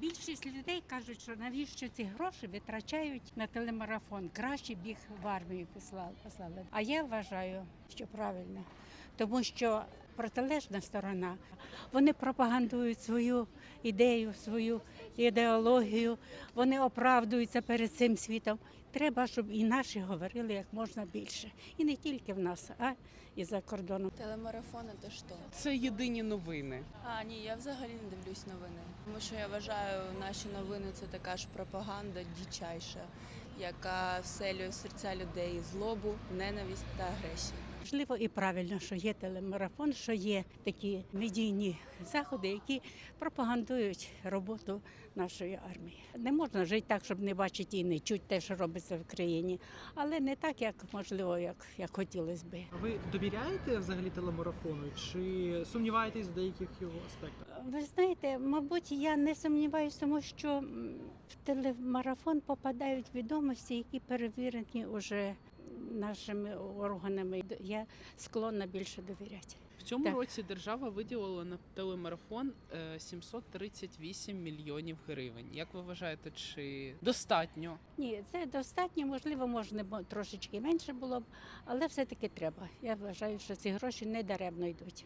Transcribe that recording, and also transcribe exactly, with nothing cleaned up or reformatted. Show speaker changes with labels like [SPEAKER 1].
[SPEAKER 1] Більшість людей кажуть, що навіщо ці гроші витрачають на телемарафон. Краще б їх в армію послали. А я вважаю, що правильно, тому що протилежна сторона, вони пропагандують свою ідею, свою ідеологію, вони оправдуються перед цим світом. Треба, щоб і наші говорили як можна більше. І не тільки в нас, а і за кордоном.
[SPEAKER 2] Телемарафон – це що?
[SPEAKER 3] Це єдині новини.
[SPEAKER 2] А, ні, я взагалі не дивлюсь новини. Тому що я вважаю, наші новини – це така ж пропаганда дичайша, яка вселює в серця людей злобу, ненависть та агресію.
[SPEAKER 1] Можливо, і правильно, що є телемарафон, що є такі медійні заходи, які пропагандують роботу нашої армії. Не можна жити так, щоб не бачити і не чути те, що робиться в країні, але не так, як можливо, як, як хотілося би.
[SPEAKER 4] А ви довіряєте взагалі телемарафону чи сумніваєтесь в деяких його аспектах?
[SPEAKER 1] Ви знаєте, мабуть, я не сумніваюся, тому що в телемарафон попадають відомості, які перевірені вже нашими органами. Я склонна більше довіряти.
[SPEAKER 3] В цьому
[SPEAKER 1] Так.
[SPEAKER 3] році держава виділила на телемарафон е, сімсот тридцять вісім мільйонів гривень. Як ви вважаєте, чи достатньо?
[SPEAKER 1] Ні, це достатньо, можливо, можна б трошечки менше було б, але все-таки треба. Я вважаю, що ці гроші не даремно йдуть.